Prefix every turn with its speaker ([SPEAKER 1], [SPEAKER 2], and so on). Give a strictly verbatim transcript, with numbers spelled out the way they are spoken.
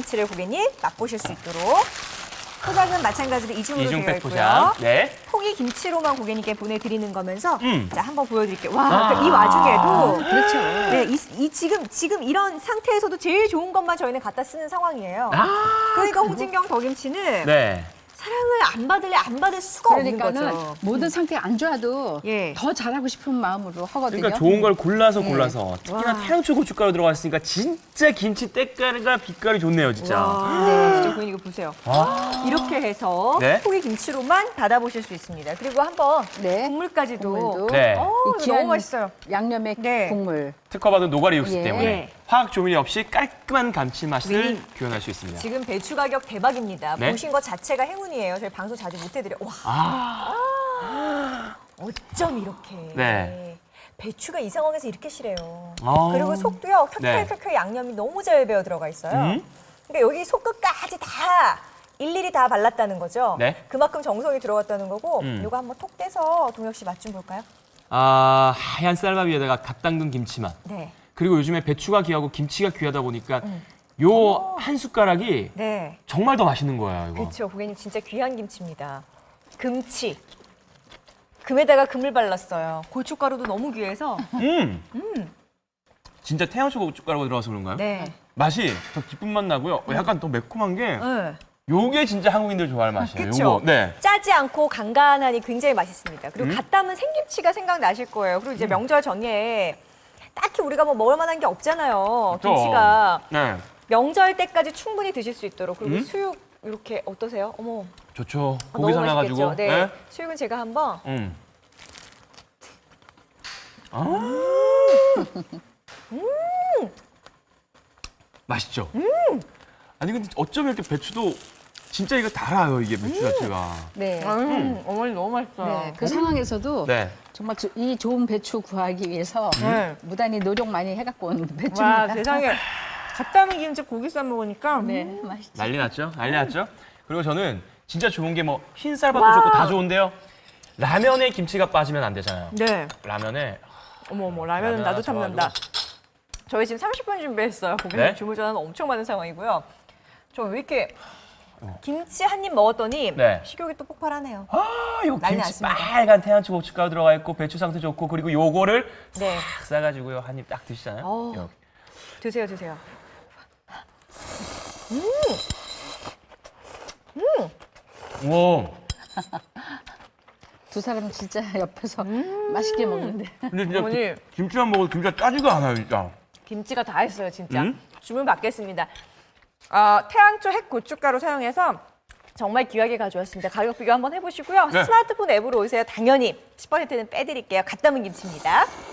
[SPEAKER 1] 김치를 고객님 맛보실 수 있도록 포장은 마찬가지로 이중으로 되어
[SPEAKER 2] 이중백
[SPEAKER 1] 있고요.
[SPEAKER 2] 포장. 네.
[SPEAKER 1] 포기 김치로만 고객님께 보내드리는 거면서
[SPEAKER 2] 음.
[SPEAKER 1] 자 한번 보여드릴게요. 와,
[SPEAKER 2] 아.
[SPEAKER 1] 이 와중에도
[SPEAKER 3] 그렇죠.
[SPEAKER 1] 네, 이, 이 지금 지금 이런 상태에서도 제일 좋은 것만 저희는 갖다 쓰는 상황이에요.
[SPEAKER 2] 아.
[SPEAKER 1] 그러니까 홍진경 더김치는
[SPEAKER 2] 네.
[SPEAKER 1] 사랑을 안 받을래 안 받을 수가 없는
[SPEAKER 3] 그러니까는
[SPEAKER 1] 거죠.
[SPEAKER 3] 모든 상태가 안 좋아도
[SPEAKER 1] 예.
[SPEAKER 3] 더 잘하고 싶은 마음으로 하거든요.
[SPEAKER 2] 그러니까 좋은 걸 골라서
[SPEAKER 3] 네.
[SPEAKER 2] 골라서 특히나
[SPEAKER 1] 와.
[SPEAKER 2] 태양초 고춧가루 들어갔으니까 진짜 김치 때깔과 빛깔이 좋네요, 진짜.
[SPEAKER 1] 와,
[SPEAKER 3] 네.
[SPEAKER 1] 진짜 고객님 이거 보세요.
[SPEAKER 2] 아.
[SPEAKER 1] 이렇게 해서
[SPEAKER 2] 네.
[SPEAKER 1] 포기 김치로만 닫아보실 수 있습니다. 그리고 한번
[SPEAKER 3] 네.
[SPEAKER 1] 국물까지도
[SPEAKER 3] 국물도.
[SPEAKER 2] 네.
[SPEAKER 1] 어,
[SPEAKER 3] 이
[SPEAKER 1] 이거
[SPEAKER 3] 귀한
[SPEAKER 1] 너무 맛있어요.
[SPEAKER 3] 양념의
[SPEAKER 1] 네.
[SPEAKER 3] 국물.
[SPEAKER 2] 특허받은 노가리 육수
[SPEAKER 3] 예.
[SPEAKER 2] 때문에
[SPEAKER 1] 예.
[SPEAKER 2] 화학 조미료 없이 깔끔한 감칠맛을
[SPEAKER 1] 음.
[SPEAKER 2] 표현할 수 있습니다.
[SPEAKER 1] 지금 배추 가격 대박입니다.
[SPEAKER 2] 네.
[SPEAKER 1] 보신 것 자체가 행운이에요. 저희 방송 자주 못 해드려. 와,
[SPEAKER 2] 아.
[SPEAKER 1] 어쩜 이렇게.
[SPEAKER 2] 네.
[SPEAKER 1] 배추가 이 상황에서 이렇게 실해요.
[SPEAKER 2] 아.
[SPEAKER 1] 그리고 속도요.
[SPEAKER 2] 네.
[SPEAKER 1] 켜켜켜켜 양념이 너무 잘 배어 들어가 있어요.
[SPEAKER 2] 음.
[SPEAKER 1] 그러니까 여기 속끝까지 다 일일이 다 발랐다는 거죠.
[SPEAKER 2] 네.
[SPEAKER 1] 그만큼 정성이 들어갔다는 거고.
[SPEAKER 2] 음.
[SPEAKER 1] 이거 한번 톡 떼서 동혁 씨 맛 좀 볼까요?
[SPEAKER 2] 아, 하얀 쌀밥 위에다가 갓 담근 김치맛.
[SPEAKER 1] 네.
[SPEAKER 2] 그리고 요즘에 배추가 귀하고 김치가 귀하다 보니까 요 한 숟가락이
[SPEAKER 1] 네.
[SPEAKER 2] 정말 더 맛있는 거예요, 이거.
[SPEAKER 1] 그렇죠. 고객님 진짜 귀한 김치입니다. 금치. 금에다가 금을 발랐어요. 고춧가루도 너무 귀해서.
[SPEAKER 2] 음. 진짜 태양초 고춧가루가 들어가서 그런가요?
[SPEAKER 1] 네.
[SPEAKER 2] 맛이 더 깊은 맛 나고요. 어, 약간 더 매콤한 게
[SPEAKER 1] 네.
[SPEAKER 2] 요게 진짜 한국인들 좋아할 맛이에요.
[SPEAKER 1] 그쵸?
[SPEAKER 2] 요거. 네.
[SPEAKER 1] 짜지 않고 간간하니 굉장히 맛있습니다. 그리고
[SPEAKER 2] 음?
[SPEAKER 1] 갓 담은 생김치가 생각나실 거예요. 그리고 이제 명절 전에 딱히 우리가 뭐 먹을 만한 게 없잖아요.
[SPEAKER 2] 그쵸?
[SPEAKER 1] 김치가.
[SPEAKER 2] 네.
[SPEAKER 1] 명절 때까지 충분히 드실 수 있도록. 그리고
[SPEAKER 2] 음?
[SPEAKER 1] 수육 이렇게 어떠세요? 어머.
[SPEAKER 2] 좋죠.
[SPEAKER 1] 아,
[SPEAKER 2] 고기
[SPEAKER 1] 너무
[SPEAKER 2] 삶아가지고.
[SPEAKER 1] 맛있겠죠? 네. 수육은 제가 한번.
[SPEAKER 2] 음. 아. 음. 맛있죠? 음. 아니 근데 어쩜 이렇게 배추도 진짜 이거 달아요, 이게 배추 자체가.
[SPEAKER 3] 네.
[SPEAKER 1] 음, 어머니 너무 맛있어요.
[SPEAKER 3] 네. 그 상황에서도
[SPEAKER 2] 네.
[SPEAKER 3] 정말 조- 이 좋은 배추 구하기 위해서
[SPEAKER 1] 네.
[SPEAKER 3] 무단히 노력 많이 해갖고 온
[SPEAKER 1] 와,
[SPEAKER 3] 배추입니다.
[SPEAKER 1] 세상에. 갓 담은 김치 고기 싸 먹으니까.
[SPEAKER 3] 네, 맛있죠.
[SPEAKER 2] 난리 났죠? 난리 났죠? 그리고 저는 진짜 좋은 게 뭐 흰쌀밥도
[SPEAKER 1] 와.
[SPEAKER 2] 좋고 다 좋은데요. 라면에 김치가 빠지면 안 되잖아요.
[SPEAKER 1] 네.
[SPEAKER 2] 라면에
[SPEAKER 1] 어머 어머 라면은
[SPEAKER 2] 라면
[SPEAKER 1] 나도
[SPEAKER 2] 하나
[SPEAKER 1] 참는다. 저희 지금 삼십 분 준비했어요. 고객님
[SPEAKER 2] 네?
[SPEAKER 1] 주문 전화는 엄청 많은 상황이고요. 저 왜 이렇게 김치 한 입 먹었더니
[SPEAKER 2] 네.
[SPEAKER 1] 식욕이 또 폭발하네요.
[SPEAKER 2] 아, 요
[SPEAKER 1] 난리
[SPEAKER 2] 김치
[SPEAKER 1] 났습니다.
[SPEAKER 2] 빨간 태양초 고춧가루 들어가 있고 배추 상태 좋고 그리고 요거를
[SPEAKER 1] 네.
[SPEAKER 2] 딱 싸가지고요 한 입 딱 드시잖아요.
[SPEAKER 1] 어우.
[SPEAKER 2] 이렇게.
[SPEAKER 1] 드세요 드세요.
[SPEAKER 2] 우와.
[SPEAKER 3] 두 사람 진짜 옆에서 맛있게 먹는데.
[SPEAKER 2] 근데 진짜
[SPEAKER 1] 어머니.
[SPEAKER 2] 기- 김치만 먹어도 진짜 짜지가 않아요, 진짜.
[SPEAKER 1] 김치가 다 했어요 진짜.
[SPEAKER 2] 음?
[SPEAKER 1] 주문 받겠습니다. 어, 태양초 핵 고춧가루 사용해서 정말 귀하게 가져왔습니다. 가격 비교 한번 해보시고요.
[SPEAKER 2] 네.
[SPEAKER 1] 스마트폰 앱으로 오세요. 당연히 십 퍼센트는 빼드릴게요. 갓 담은 김치입니다.